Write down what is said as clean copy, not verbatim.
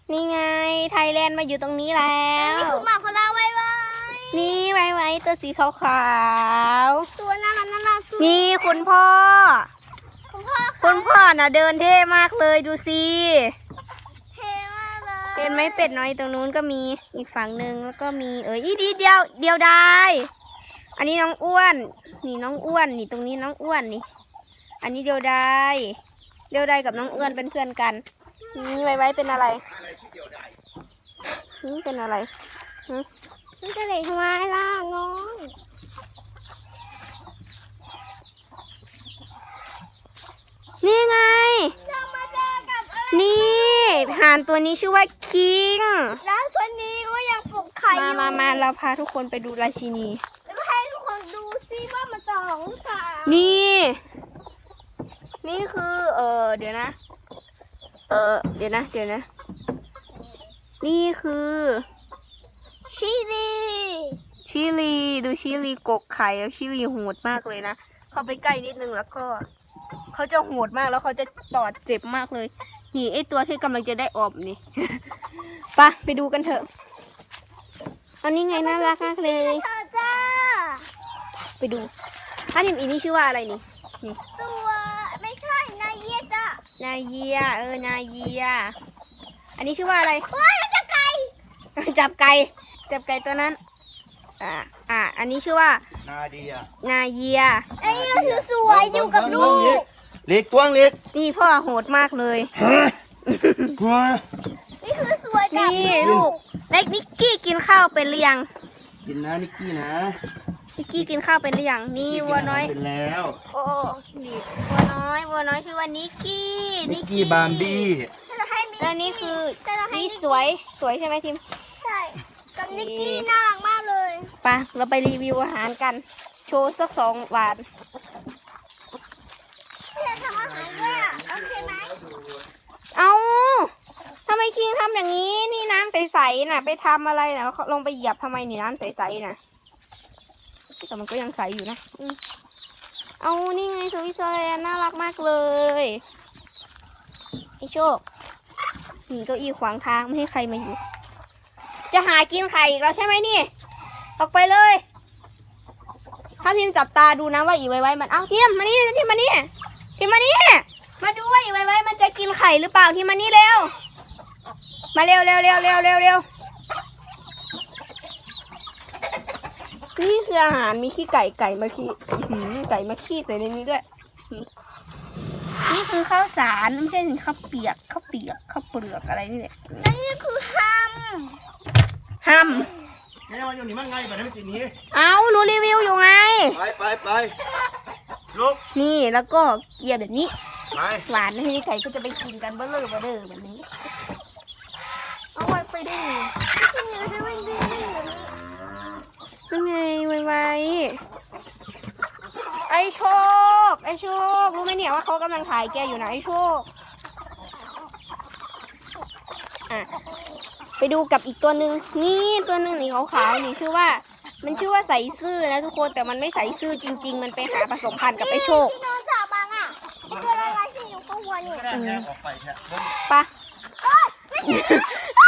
นี่ไงไทยแลนด์มาอยู่ตรงนี้แล้วนี่คือหมาของเราไว้นี่ไว้ตัวสีขาวๆตัวน่ารักสุดนี่คุณพ่อน่ะเดินเท่มากเลยดูสิเท่มากเลยเห็นไหมเป็ดน้อยตรงนู้นก็มีอีกฝั่งหนึ่งแล้วก็มีอีดีเดียวได้อันนี้น้องอ้วนนี่น้องอ้วนนี่ตรงนี้น้องอ้วนนี่อันนี้เดียวได้กับน้องอ้วนเป็นเพื่อนกันนี่ไว้เป็นอะไรเป็นอะไรมันจะเด็กทำไมล่ะน้องนี่ไงเรามาเจอกับนี่ห่านตัวนี้ชื่อว่าคิงแล้วส่วนนี้ก็ยังปลุกไข่มาเราพาทุกคนไปดูราชินีแล้วให้ทุกคนดูซิว่ามันจะหรือเปล่านี่คือเดี๋ยวนะนี่คือชิลีดูชิลีกกไข่แล้วชิลีโหดมากเลยนะเข้าไปใกล้นิดนึงแล้วก็เขาจะโหดมากแล้วเขาจะตอดเจ็บมากเลยนี่ไอตัวที่กำลังจะได้ออกนี่ ไปดูกันเถอะอันนี้ไงน่ารักมากเลยจ้าไปดูอันนี้ชื่อว่าอะไรนี่ตัวไม่ใช่นาเยียจ้ะนาเยียอันนี้ชื่อว่าอะไรมันจะไก่จับไก่ตัวนั้นอันนี้ชื่อว่านาเยียไอ้นี่คือสวยอยู่กับลูกเล็กตัวเล็กนี่พ่อโหดมากเลยนี่คือสวยจังนี่ลูกเล็กนิกกี้กินข้าวเป็นหรือยังกินนะนิกกี้นะนิกกี้กินข้าวเป็นหรือยังนี่วัวน้อยเป็นแล้วโอ้ดีวัวน้อยชื่อว่านิกกี้บามบี้แล้วนี่คือนี่สวยใช่ไหมทิมใช่กับนิกกี้น่ารักมากเลยเราไปรีวิวอาหารกันโชว์สัก2 วันทำอาหารด้วยโอเคไหมเอาทำไมคิงทำอย่างนี้นี่น้ำใสๆน่ะไปทำอะไรน่ะลงไปเหยียบทำไมนี่น้ำใสๆน่ะแต่มันก็ยังใสอยู่นะเอานี่ไงสวยๆน่ารักมากเลยไอโชคนี่เก้าอี้ขวางทางไม่ให้ใครมาอยู่จะหากินไข่อีกแล้วใช่ไหมนี่ออกไปเลยถ้าทีมจับตาดูนะว่าอีไว้มันเอาทีมมานี่มาดูว่าอีไว้มันจะกินไข่หรือเปล่าทีมมานี่เร็วมาเร็วนี่คืออาหารมีขี้ไก่มาขี้ไก่มาขี้ใส่ในนี้ด้วยนี่คือข้าวสารไม่ใช่ข้าวเปียกข้าวเปลือกอะไรนี่แหละนี่คือฮัมนี่มันอยู่นี่มันไงแบบนี้สีนี้เอาหนูรีวิวอยู่ไงไปลุกนี่แล้วก็เกียร์แบบนี้ไปหวานให้ไก่ก็จะไปกินกันเบลอแบบนี้เอาไว้ไปได้ยังไงไวไอโชครู้ไหมเนี่ยว่าเขากำลังถ่ายแกอยู่นะไอโชคไปดูกับอีกตัวหนึ่งนี่ตัวหนึ่งนี่ขาวๆนี่ชื่อว่าใส่ซื่อนะทุกคนแต่มันไม่ใส่ซื่อจริงๆมันไปหาผสมพันธุ์กับไอโชคที่น้องจับมาตัวอะไรที่อยู่ข้างบนนี่ปะ